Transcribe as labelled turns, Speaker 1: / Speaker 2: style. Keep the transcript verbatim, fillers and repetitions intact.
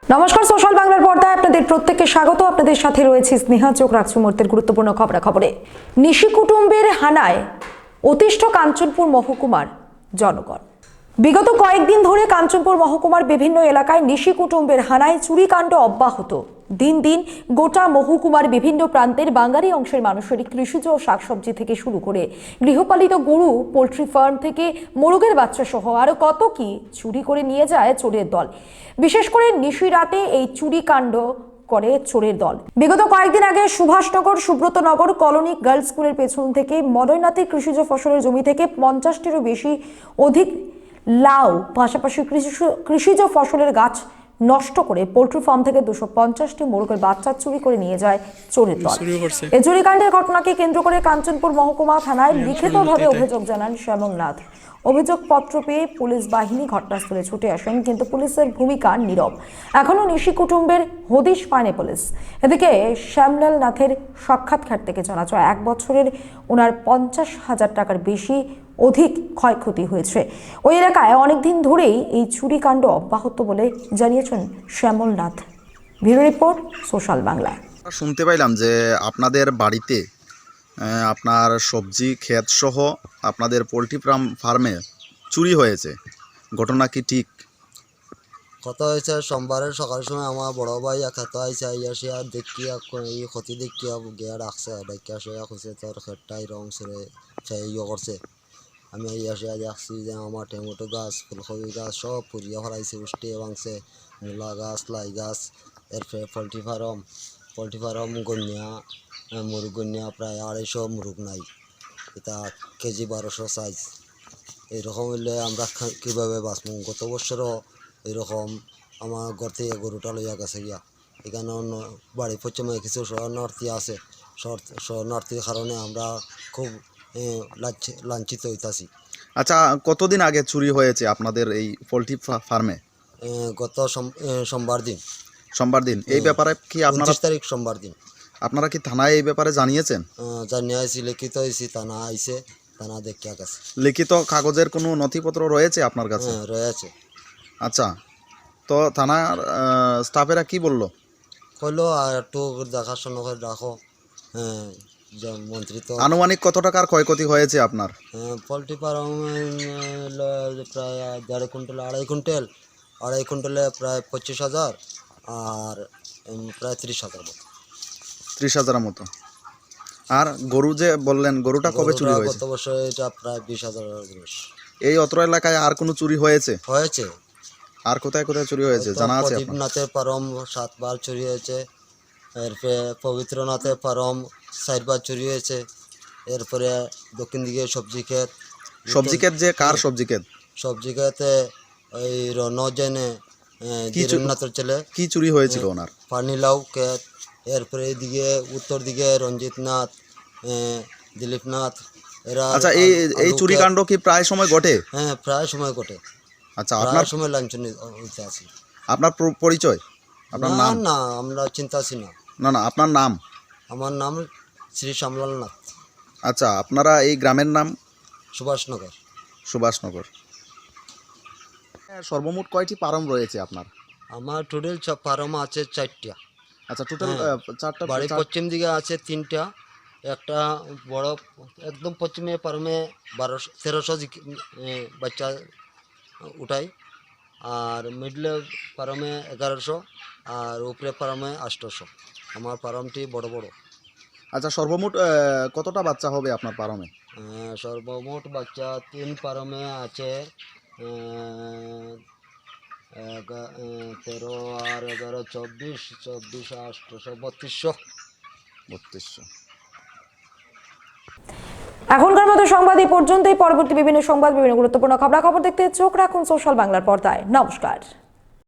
Speaker 1: নমস্কার, সোশ্যাল বাংলার পর্দায় আপনাদের প্রত্যেককে স্বাগত। আপনাদের সাথে রয়েছে স্নেহা। চোখ রাখছি মুহূর্তের গুরুত্বপূর্ণ খবরাখবরে। নিশি কুটুম্বের হানায় অতিষ্ঠ কাঞ্চনপুর মহকুমার জনগণ। বিগত কয়েকদিন ধরে কাঞ্চনপুর মহকুমার বিভিন্ন এলাকায় নিশি কুটুম্বের হানায় চুরিকাণ্ড অব্যাহত। দিন দিন গোটা মহকুমার বিভিন্ন প্রান্তের বাঙালি অংশের মানুষের কৃষিজ ও শাকসবজি থেকে শুরু করে গৃহপালিত গরু, পোলট্রি ফার্ম থেকে মোরগের বাচ্চা সহ আরো কত কি চুরি করে নিয়ে যায় চোরের দল। বিশেষ করে নিশি রাতে এই চুরিকাণ্ড করে চোরের দল। বিগত কয়েকদিন আগে সুভাষনগর সুব্রতনগর কলোনি গার্লস স্কুলের পেছন থেকে মদয়নাথের কৃষিজ ফসলের জমি থেকে পঞ্চাশটিরও বেশি অধিক লাউ, পাশাপাশি কৃষিজ ফসলের গাছ নষ্ট করে পোল্ট্রি ফার্ম থেকে দুশো পঞ্চাশটি মোরগের বাচ্চা চুরি করে নিয়ে যায় চোরের দল। এই চুরিকাণ্ডের ঘটনাকে কেন্দ্র করে কাঞ্চনপুর মহকুমা থানায় লিখিতভাবে অভিযোগ জানান শ্যামল নাথ। অভিযোগপত্র পেয়ে পুলিশ বাহিনী ঘটনাস্থলে ছুটে আসেন, কিন্তু পুলিশের ভূমিকা নীরব। এখনো নিশি কুটুম্বের হদিশ পায়নি পুলিশ। এদিকে শ্যামলাল নাথের সাক্ষাৎকার থেকে জানা যায় এক বছরের ওনার পঞ্চাশ হাজার টাকার বেশি অধিক ক্ষয়ক্ষতি হয়েছে। ওই এলাকায় অনেকদিন ধরেই এই চুরিকাণ্ড অব্যাহত বলে জানিয়েছেন Shyamal Nath. Bureau report, social Bangla.
Speaker 2: শুনতে পাইলাম যে আপনাদের বাড়িতে আপনার সবজি ক্ষেত সহ আপনাদের পোলট্রি ফার্ম ফার্মে চুরি হয়েছে, ঘটনা কি ঠিক?
Speaker 3: কথা হয়েছে সোমবারের সকাল সময় আমার বড় ভাই একাত আইসে আইয়া সে আর দেখিয়া এই ক্ষতি দেখিয়া গিয়া রাখছে, দেখিয়া সে খুঁজছে তোর ক্ষেতটাই রং সরে সে ইয়ে করছে। আমি আইয়া সে দেখছি যে আমার টমেটো গাছ, ফুলকপি গাছ সব পুড়িয়া ফেলাইছে, উষ্টিয়ে ভাঙছে, মূলা গাছ, লাই গাছ। এরপরে পোলট্রি ফার্ম পোলট্রি ফার্ম গন্যা মুরগ গন্যা প্রায় আড়াইশো মুরগ নাই, এটা কেজি বারোশো সাইজ। এইরকম হইলে আমরা কীভাবে বাঁচব? গত বছরও এরকম আমার ঘর থেকে গরুটা লইয়া গেছে গিয়া। এখানে অন্য বাড়ি পশ্চিমে কিছু শরণার্থী আছে, শরণার্থীর কারণে আমরা খুব লাঞ্ছিত হইতাছি।
Speaker 2: আচ্ছা, কতদিন আগে চুরি হয়েছে আপনাদের এই পোলট্রি ফার্মে?
Speaker 3: গত সোমবার দিন।
Speaker 2: সোমবার দিন। এই ব্যাপারে কি আপনারা
Speaker 3: তারিখ সোমবার দিন
Speaker 2: আপনারা কি থানায় এই ব্যাপারে জানিয়েছেন?
Speaker 3: জানিয়ে আইসি, লিখিত হয়েছি, থানা আইসে, থানা দেখিয়া গেছে।
Speaker 2: লিখিত কাগজের কোনো নথিপত্র রয়েছে আপনার কাছে?
Speaker 3: হ্যাঁ, রয়েছে।
Speaker 2: আচ্ছা, তো থানার স্টাফেরা কি বললো?
Speaker 3: কইলো আর একটু দেখাশোনা করে রাখো। হ্যাঁ, মন্ত্রী তো।
Speaker 2: আনুমানিক কত টাকার ক্ষয়ক্ষতি হয়েছে আপনার?
Speaker 3: পোলট্রি ফার্ম প্রায় দেড় কুইন্টাল আড়াই কুইন্টাল আড়াই কুইন্টালে প্রায় পঁচিশ হাজার আর প্রায় ত্রিশ হাজার মতো।
Speaker 2: ত্রিশ হাজারের মতো। আর গরু যে বললেন, গরুটা কবে চুরি হয়েছে?
Speaker 3: গত বছর এটা প্রায় বিশ হাজার।
Speaker 2: এই অত্র এলাকায় আর কোনো চুরি হয়েছে?
Speaker 3: হয়েছে।
Speaker 2: আর কোথায় কোথায় চুরি হয়েছে জানা আছে?
Speaker 3: প্রদীপনাথের ফার্ম সাতবার চুরি হয়েছে, এরপরে পবিত্রনাথের ফার্ম চারবার চুরি হয়েছে, এরপরে দক্ষিণ দিকে সবজি ক্ষেত।
Speaker 2: সবজি ক্ষেত যে কার সবজি ক্ষেত?
Speaker 3: সবজি ক্ষেতে ওই রনজেনে দিরনাথের ছেলে।
Speaker 2: কি চুরি হয়েছিল ওনার?
Speaker 3: পানিলাউ ক্ষেত। এরপরে এদিকে উত্তর দিকে রঞ্জিত নাথ, দিলীপ নাথ, এরা।
Speaker 2: আচ্ছা, এই এই চুরিকাণ্ড কি প্রায় সময় ঘটে?
Speaker 3: হ্যাঁ, প্রায় সময় ঘটে।
Speaker 2: আচ্ছা, আপনার
Speaker 3: সময় লাঞ্ছন হইতে আছি।
Speaker 2: আপনার পরিচয়? আপনার নাম?
Speaker 3: না, আমরা চিন্তা আছি না।
Speaker 2: না না, আপনার নাম?
Speaker 3: আমার নাম শ্রী শ্যামলাল নাথ।
Speaker 2: আচ্ছা, আপনারা এই গ্রামের নাম?
Speaker 3: সুভাষনগর।
Speaker 2: সুভাষনগর। সর্বমোট কয়টি ফার্ম রয়েছে আপনার?
Speaker 3: আমার টোটাল ফার্ম আছে চারটা।
Speaker 2: আচ্ছা, টোটাল চারটা।
Speaker 3: বাড়ি পশ্চিম দিকে আছে তিনটা। একটা বড় একদম পশ্চিমে ফার্মে বারোশো তেরোশো বাচ্চা উঠাই, আর মিডলে ফার্মে এগারোশো, আর উপরে ফার্মে আটশোশো। আমার ফার্মটি বড় বড়।
Speaker 2: আচ্ছা, সর্বমোট কতটা বাচ্চা হবে আপনার ফার্মে?
Speaker 3: সর্বমোট বাচ্চা তিন ফার্মে আছে তেরো আর এগারো চব্বিশ, চব্বিশ আটশোশো বত্রিশশো
Speaker 2: বত্রিশশো।
Speaker 1: এখনকার মতো সংবাদ এই পর্যন্তই। পরবর্তী বিভিন্ন সংবাদ, বিভিন্ন গুরুত্বপূর্ণ খবরাখবর দেখতে চোখ রাখুন সোশ্যাল বাংলার পর্দায়। নমস্কার।